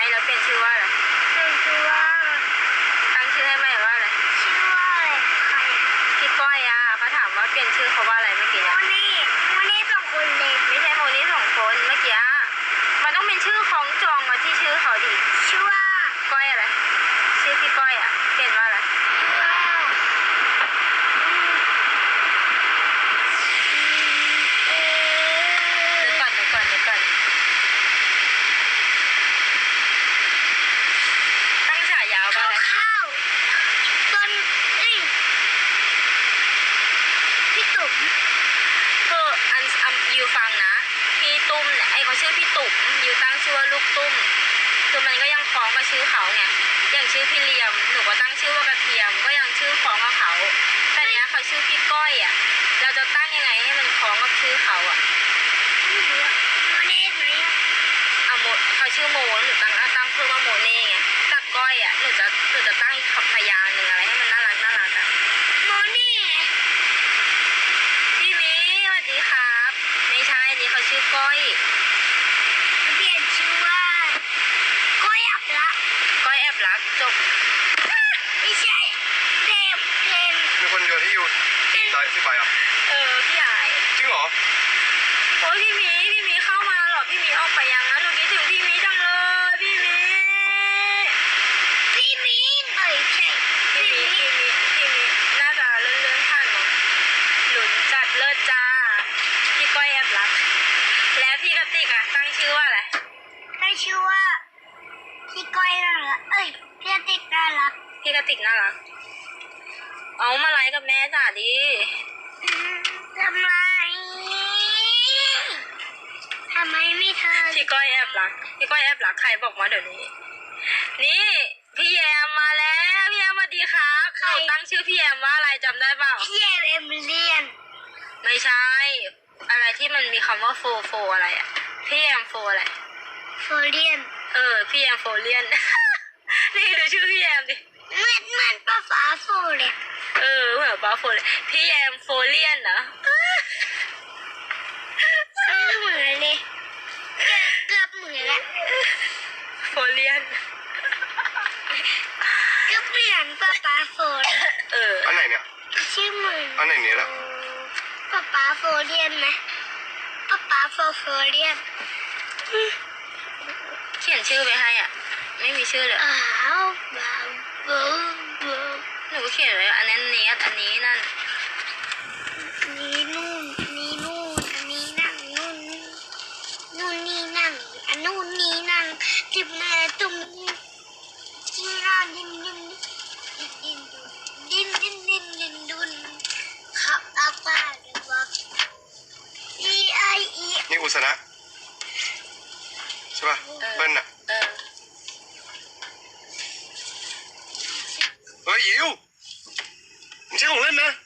แล้วเปลี่ยนชื่อว่าอะไรเป็นชื่อว่าตั้งชื่อให้ใหม่ว่าอะไรชื่อว่าอะไรใครพี่ก้อยอ่ะเขาถามว่าเปลี่ยนชื่อเขาว่าอะไรเมื่อกี้โมนี่โมนี่สองคนเลยไม่ใช่โมนี่สองคนเมื่อกี้มันต้องเป็นชื่อของจองมาที่ชื่อเขาดิชื่อว่าก้อยอะไรชื่อพี่ก้อยอ่ะเปลี่ยนว่าอะไรเดี๋ยวก่อนตั้งฉายาว่าอะไรข้าวต้นพี่ตุ๋มคืออันยูฟังนะพี่ตุ้มเนี่ยไอเขาชื่อพี่ตุ๋มยูตั้งชื่อว่าลูกตุ้มคือมันก็ยังคล้องกับชื่อเขาไงอย่างชื่อพี่เลียมหนูก็ตั้งชื่อว่ากระเทียมก็ยังชื่อคล้องกับเขาแต่เนี้ยเขาชื่อพี่ก้อยอ่ะเราจะตั้งยังไงให้มันคล้องกับชื่อเขาอ่ะไม่รู้อะโมนี่ไหมเอาโมเขาชื่อโมหนูตั้งเพื่อว่าโมเน่ไงแต่ก้อยอ่ะหนูจะตั้งอีกพยางค์หนึ่งอะไรให้มันน่ารักอ่ะโมนี่พี่มิสวัสดีครับไม่ใช่นี่เขาชื่อก้อยเปลี่ยนชื่อว่าก้อยอับละก้อยแอบรักจบไม่ใช่เต็มมีคนโยนให้ยูที่ใบอ่ะพี่ใหญ่จริงเหรอโอ้ยพี่มีเข้ามาหรอพี่มีออกไปยังนะหนูคิดถึงพี่มีจังเลยพี่มีใช่พี่มีน่าจะเลื่อนผ่านมั้งหลุนจัดเลิศจ้าพี่ก้อยแอบรักแล้วพี่กติกอะตั้งชื่อว่าอะไรตั้งชื่อว่าพี่ก้อยน่ารักพี่กติกน่ารักพี่กติกน่ารักเอามาไลฟ์กับแม่จ้าดิทำไมไม่เธอพี่ก้อยแอบรักใครบอกมาเดี๋ยวนี้นี่พี่แยมมาแล้วพี่แยมสวัสดีครับหนูตั้งชื่อพี่แยมว่าอะไรจำได้เปล่าพี่แยมเอมิเลียนไม่ใช่อะไรที่มันมีคำว่าโฟอะไรอ่ะพี่แยมโฟอะไรโฟเลียนพี่แยมโฟเลียน นี่ดูชื่อพี่แยมดิเหมือนป้าฟ้าโฟเลยเหมือนป้าโฟเลยพี่แยมโฟเลียนนะเหมือนเลยเกือบเหมือนละโฟเลียนก็เหมือนป้าโฟเลยอันไหนเนี่ยชื่อเหมือนอันไหนเนี่ยล่ะป้าโฟเลียนไหมป้าโฟเลียนเขียนชื่อไปให้อ่ะไม่มีชื่อเลยหนูเขียนไว้อันนั้นเนี้อันนี้นั่นนี่นู่นนี่นู่นอันนี้นั่งนู่นนี่นั่งอันนู่นนี่นั่งจิบแม่ตุ่มจีน่าดินดุนขับอาปาเดวักนี่อุสนะใช่ป่ะเบิ้ลน่ะเฮ้ยยิวไม่ใช่ของเล่นนะ